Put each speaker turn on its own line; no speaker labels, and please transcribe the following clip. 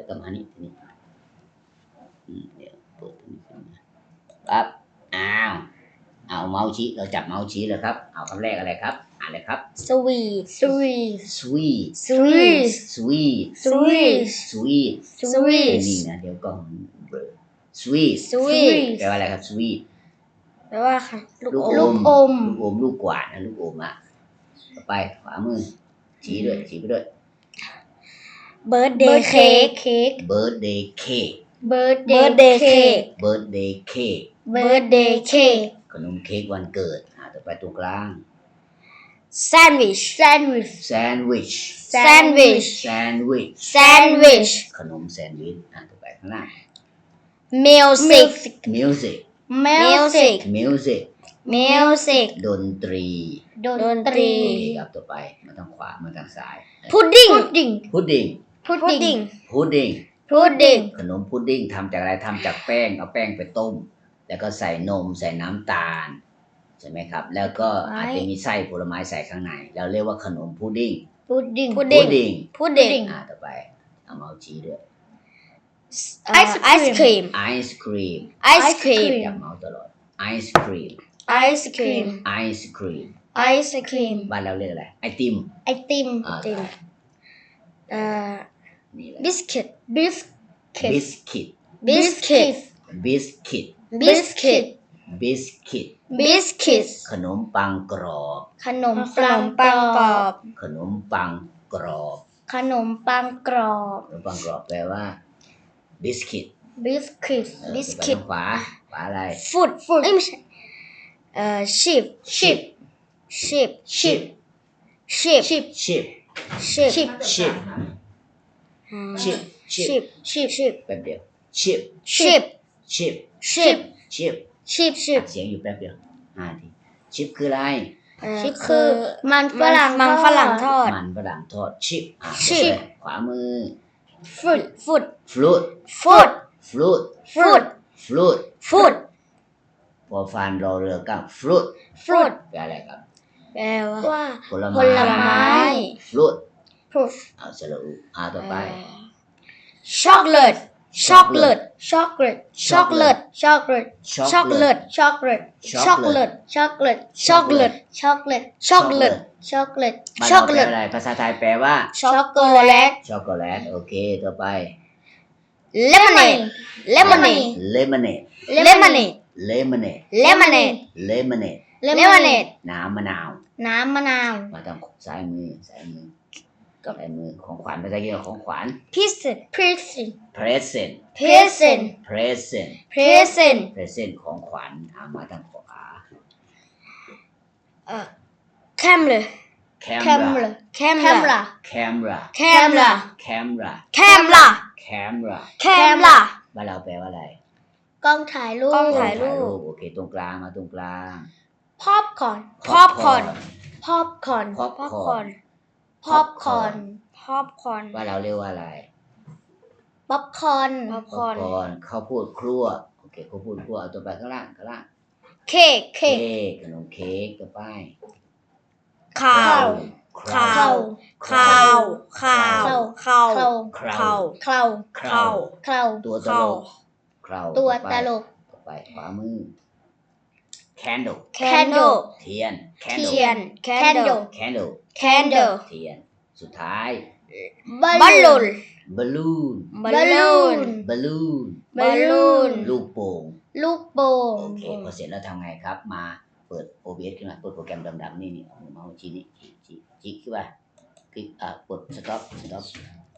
ก็มานี่ทีนี้เดี๋ยวเปิดตรงนี้ขึ้นมาปั๊บเอาเมาส์ชี้เราจับเมาส์ชี้เลยครับเอาคำแรกอะไรครับอ่านเลยครับ
sweet
sweet
sweet
sweet
sweet
sweet
sweet
นี่นะเดี๋ยวก่อน sweet
sweet
แปลว่าอะไรครับ sweet
แปลว่าลูกอม
ลูกอมลูกกวาดนะลูกอมอ่ะต่อไปขวามือชี้ด้วยชี้ไปด้วย
birthday cake
birthday cake
birthday cake
birthday cake
birthday cake
ขนมเค้กวันเกิดต่อไปตรงกลาง
sandwich
sandwich ขนมแซนด์วิชต่อไปข้างหน้า
music
ดนตรี ครับต่อไปมาทางขวามาทางซ้าย
pudding
ขนมพุดดิ้งทำจากอะไรทำจากแป้งเอาแป้งไปต้มแล้วก็ใส่นมใส่น้ำตาลใช่ไหมครับแล้วก็อาจจะมีไส้ผลไม้ใส่ข้างในเราเรียกว่าขนมพุดดิ้งต่อไปเอาเมาส์ชี้ด้วย
ice cream
จับเมาส์ตลอดไอศครีมบ้านเราเรียกอะไรไอติมนี่แหละ
biscuit
ขนมปังกรอบ
ขนมปังกรอบ
ขนมปังกรอบแปลว่าบิสกิตขวาอะไร
food ไม่ใช่sheep
แป๊บเดียว
sheep
เสียงอยู่แป๊บเดียวทีชิปคืออะไร
sheep คือมันฝรั่งทอด
ชิปขวามือ
fruit
พอฟันรอเรือกับฟรุต แปลอะไรครับ
แปลว่า
ผลไม้ ฟรุตเอาสระอุต่อไป
chocolate
อะไรภาษาไทยแปลว่า
ช็อกโกแลต
โอเคต่อไป
lemonade
น้ำมะนาว มาทางซ้ายมือของขวัญภาษาอังกฤษของขวัญ present ของขวัญมาทางขวา
camera
บ้านเราแปลว่าอะไร
กล้องถ่ายรูป
โอเคตรงกลางมาตรงกลาง
popcorn
ว่าเราเรียกว่าอะไร
popcorn
ข้าวโพดครั่วโอเคข้าวโพดครั่วเอาตัวไปข้างล่าง
cake
ขนมเค้กต่อไป
cow
ตัวตลกต่อไปขวามือ candle เทียน เทียนสุดท้าย
balloon
ลูกโป่ง โอเคพอเสร็จแล้วทำไงครับมาเปิด OBS ขึ้นมาเปิดโปรแกรมดำๆนี่เอาเมาส์ชี้นี่ชี้ขึ้นมาคลิกกด stop